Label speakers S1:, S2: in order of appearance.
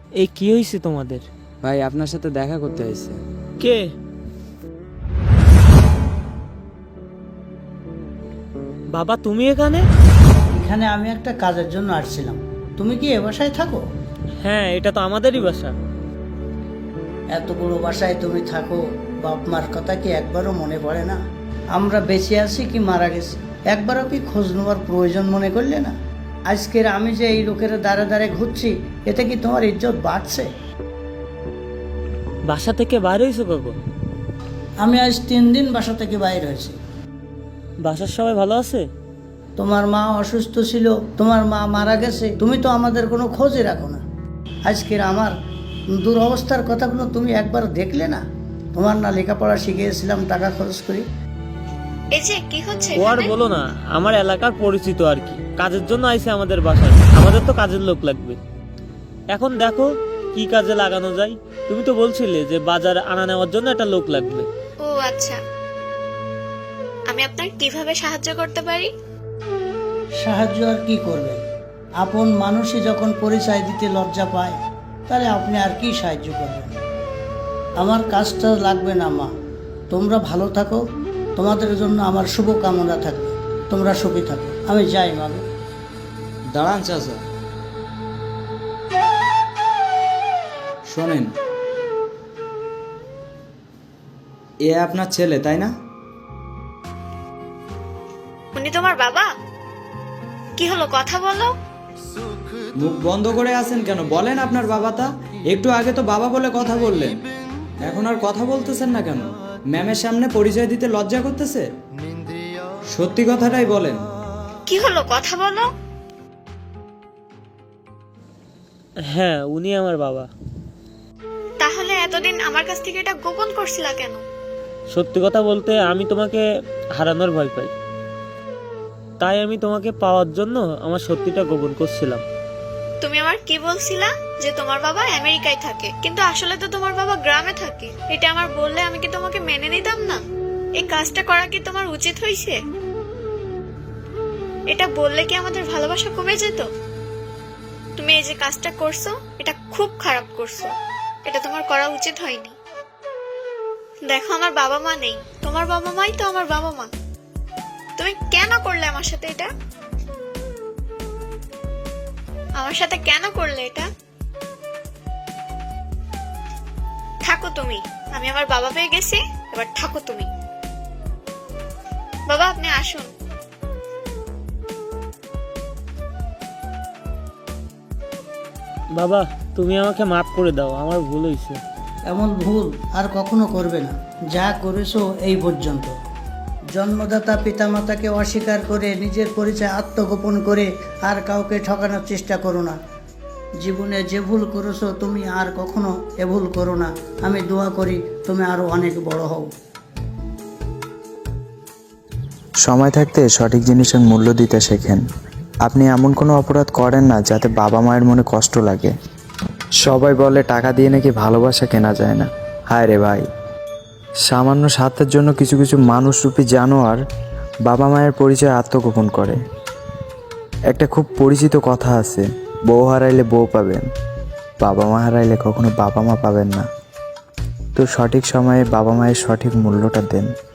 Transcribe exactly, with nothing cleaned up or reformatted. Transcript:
S1: এই কি হয়েছে তোমাদের?
S2: ভাই আপনার সাথে দেখা করতে এসেছে।
S1: কে? বাবা তুমি এখানে?
S3: এখানে আমি একটা কাজের জন্য আসছিলাম। তুমি কি এ বাসায় থাকো?
S1: হ্যাঁ, এটা তো আমাদেরই বাসা।
S3: এত বড় বাসায় তুমি থাকো, বাপ মার কথা কি একবারও মনে পড়ে না? আমরা বেঁচে আছি কি মারা গেছি একবারও কি খোঁজ নেওয়ার প্রয়োজন মনে করলে না? আজকের আমি যে এই লোকের দ্বারে দ্বারে ঘুরছি, এতে কি তোমার ইজ্জত বাড়ছে?
S1: বাসা থেকে বাইরে হয়েছো কখন?
S3: আমি আজ তিন দিন বাসা থেকে বাইরে হয়েছি।
S1: বাসার সবাই ভালো আছে?
S3: তোমার মা অসুস্থ ছিল, তোমার মা মারা গেছে, তুমি তো আমাদের কোনো খোঁজই রাখো না। আজকের আমার দুরবস্থার কথাগুলো তুমি একবার দেখলে না? তোমার না লেখাপড়া শিখিয়েছিলাম টাকা খরচ করি।
S4: এই যে কি হচ্ছে
S1: ও আর
S4: এখানে?
S1: বলো না, আমার এলাকার পরিচিত আর কি, কাজের জন্য আইছে আমাদের বাসায়। আমাদের তো কাজের লোক লাগবে। এখন দেখো কি কাজে লাগানো যায়। তুমি তো বলছিলে যে বাজার আনা নেওয়ার জন্য একটা লোক লাগবে।
S4: ও আচ্ছা, আমি আপনার কিভাবে সাহায্য করতে পারি?
S3: সাহায্য আর কি করবেন? আপন মানুষই যখন পরিচয় দিতে লজ্জা পায়, তাহলে আপনি আর কি সাহায্য করবেন? আমার কাজটা লাগবে না মা, তোমরা ভালো থাকো, তোমাদের জন্য আমার শুভ কামনা থাকবে, তোমরা সুখী থাকো। আমি যাই মা।
S2: দাঁড়ান চাচা, শোনেন, এ আপনার ছেলে তাই না?
S4: উনি তোমার বাবা? কি হলো, কথা বলো।
S2: মুখ বন্ধ করে আছেন কেন? বলেন আপনার বাবাটা। একটু আগে তো বাবা বলে কথা বললেন, এখন আর কথা বলতেছেন না কেন? ম্যামের সামনে পরিচয় দিতে লজ্জা করতেছে? সত্যি কথাটাই বলেন।
S4: কি হলো, কথা বলো।
S1: হ্যাঁ, উনি আমার বাবা।
S4: তাহলে এতদিন আমার কাছ থেকে এটা গোপন করছিলা কেন?
S1: সত্যি কথা বলতে আমি তোমাকে হারানোর ভয় পাই, তাই আমি তোমাকে পাওয়ার জন্য আমার সত্যিটা গোপন করছিলাম।
S4: তুমি আমার কি বলছিলা যে তোমার বাবা আমেরিকায় থাকে, কিন্তু আসলে তো তোমার বাবা গ্রামে থাকে। এটা আমার বললে আমি কি তোমাকে মেনে নিতাম না? এই কাজটা করা কি তোমার উচিত হয়েছে? এটা বললে কি আমাদের ভালোবাসা কমে যেত? তুমি এই যে কাজটা করছো, এটা খুব খারাপ করছো। এটা তোমার করা উচিত হয়নি। দেখো, আমার বাবা মা নেই, তোমার বাবা মাই তো আমার বাবা মা। তুমি কেন করলে আমার সাথে এটা? আমার সাথে কেন করলে এটা? থাকো তুমি, আমি আমার বাবা পেয়ে গেছি, এবার থাকো তুমি। বাবা আপনি আসুন।
S1: বাবা তুমি আমাকে মাফ করে দাও, আমার ভুল হয়েছে।
S3: এমন ভুল আর কখনো করবে না। যা করেছো এই পর্যন্ত। জন্মদাতা পিতামাতাকে অস্বীকার করে নিজের পরিচয় আত্মগোপন করে আর কাউকে ঠকানোর চেষ্টা করো না। জীবনে যে ভুল করেছো তুমি আর কখনো এ ভুল করো না। আমি দোয়া করি তুমি আরো অনেক বড় হও।
S5: সময় থাকতে সঠিক জিনিসের মূল্য দিতে শেখেন। আপনি এমন কোনো অপরাধ করেন না যাতে বাবা মায়ের মনে কষ্ট লাগে। সবাই বলে টাকা দিয়ে নাকি ভালোবাসা কেনা যায় না। হায় রে ভাই, সামান্য স্বার্থের জন্য কিছু কিছু মানুষরূপী জানোয়ার বাবা মায়ের পরিচয় আত্মগোপন করে। একটা খুব পরিচিত কথা আছে, বউ হারাইলে বউ পাবেন, বাবা মা হারাইলে কখনো বাবা মা পাবেন না। তো সঠিক সময়ে বাবা মায়ের সঠিক মূল্যটা দেন।